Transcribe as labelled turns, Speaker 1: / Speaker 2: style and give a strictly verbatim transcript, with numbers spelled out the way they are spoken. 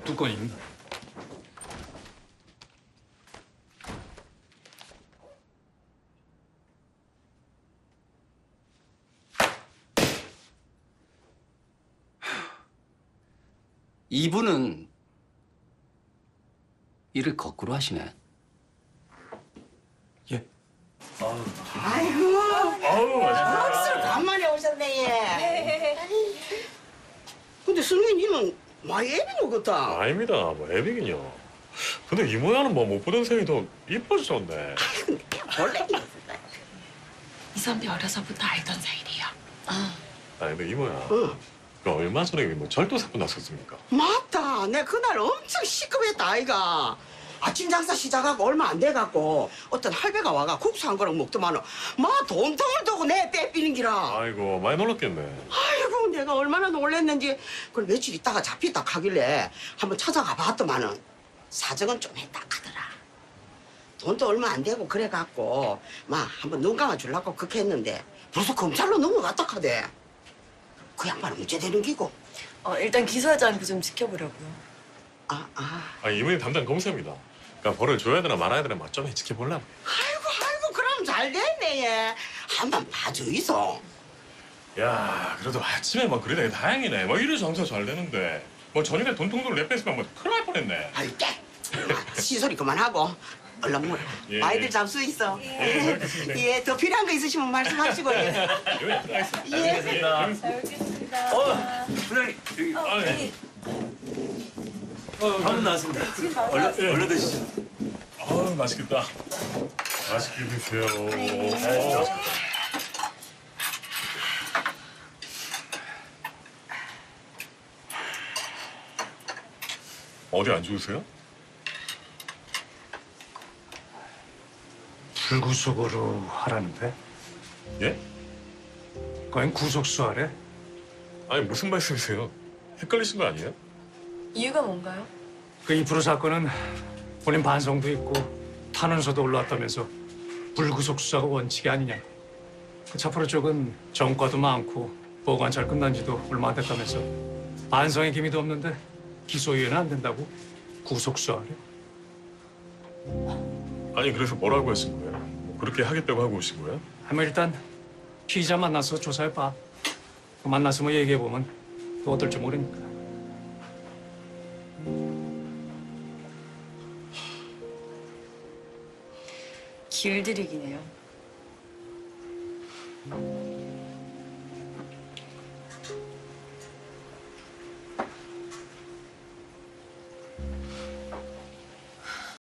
Speaker 1: 두 건입니다.
Speaker 2: 이분은 일을 거꾸로 하시네.
Speaker 1: 예.
Speaker 3: 아이고,
Speaker 4: 아우, 맛있다.
Speaker 3: 억수로 간만에 오셨네, 얘. 근데 승민이는 많이 애비는 같다.
Speaker 4: 아닙니다. 뭐 애비긴요. 근데 이 모양은 뭐 못 보던 생이 더 이뻐지셨네.
Speaker 3: 원래
Speaker 5: 이 선배 어려서부터 알던 사이래요.
Speaker 4: 아 근데 이 모양.
Speaker 3: 응.
Speaker 4: 그 얼마 전에 뭐 절도 사건 났었습니까?
Speaker 3: 맞다. 내 그날 엄청 시급했다, 아이가. 아침 장사 시작하고 얼마 안 돼갖고 어떤 할배가 와가 국수 한 그릇 먹더만은 마 돈통을 두고 내 빼삐는 기라.
Speaker 4: 아이고 많이 놀랐겠네.
Speaker 3: 아이고 내가 얼마나 놀랬는지. 그걸 며칠 있다가 잡혔다 하길래 한번 찾아가 봤더만은 사정은 좀 했다 하더라. 돈도 얼마 안 되고 그래갖고 막 한번 눈 감아 주려고 그렇게 했는데 벌써 검찰로 넘어갔다 하대. 그 양반은 문제 되는 기고.
Speaker 5: 어, 일단 기소하지 않고 좀 지켜보려고요.
Speaker 3: 아, 아.
Speaker 4: 아 이분이 담당 검사입니다. 그러니까 벌을 줘야 되나 말아야 되나 막 좀 지켜보려고.
Speaker 3: 아이고 아이고 그럼 잘 됐네 얘. 한번 봐줘 있어.
Speaker 4: 야 그래도 아침에 막 그러다니 다행이네. 뭐 이래 장사 잘 되는데. 뭐 저녁에 돈통도를 내 뺐으면 뭐 큰일 날 뻔했네.
Speaker 3: 아이 깨. 아, 시소리 그만하고 얼른 물.
Speaker 4: 예,
Speaker 3: 아이들
Speaker 4: 예.
Speaker 3: 잡수 있어.
Speaker 4: 예, 잘 먹겠습니다.
Speaker 3: 예, 더 필요한 거 있으시면 말씀하시고. 예.
Speaker 4: 여기 들어가겠습니다.
Speaker 3: 예.
Speaker 5: 잘 먹겠습니다.
Speaker 1: 어, 부장님 여기
Speaker 4: 아, 예.
Speaker 1: 방금 나왔습니다. 얼른 얼른 드시죠.
Speaker 4: 아우 맛있겠다. 맛있게 드세요. 어디 안 좋으세요?
Speaker 1: 불구속으로 하라는데?
Speaker 4: 예?
Speaker 1: 그냥 구속수 하래?
Speaker 4: 아니 무슨 말씀이세요? 헷갈리신 거 아니에요?
Speaker 5: 이유가 뭔가요?
Speaker 1: 그 이프로 사건은 본인 반성도 있고 탄원서도 올라왔다면서 불구속 수사가 원칙이 아니냐. 그 차프로 쪽은 전과도 많고 보관 잘 끝난 지도 얼마 안 됐다면서 반성의 기미도 없는데 기소유예는 안 된다고 구속 수사하래.
Speaker 4: 아니 그래서 뭐라고 하신 거예요? 뭐 그렇게 하겠다고 하고 오신 거예요?
Speaker 1: 하면 일단 피의자 만나서 조사해봐. 그 만나서 뭐 얘기해보면 또 어떨지 모르니까.
Speaker 5: 길들이기네요.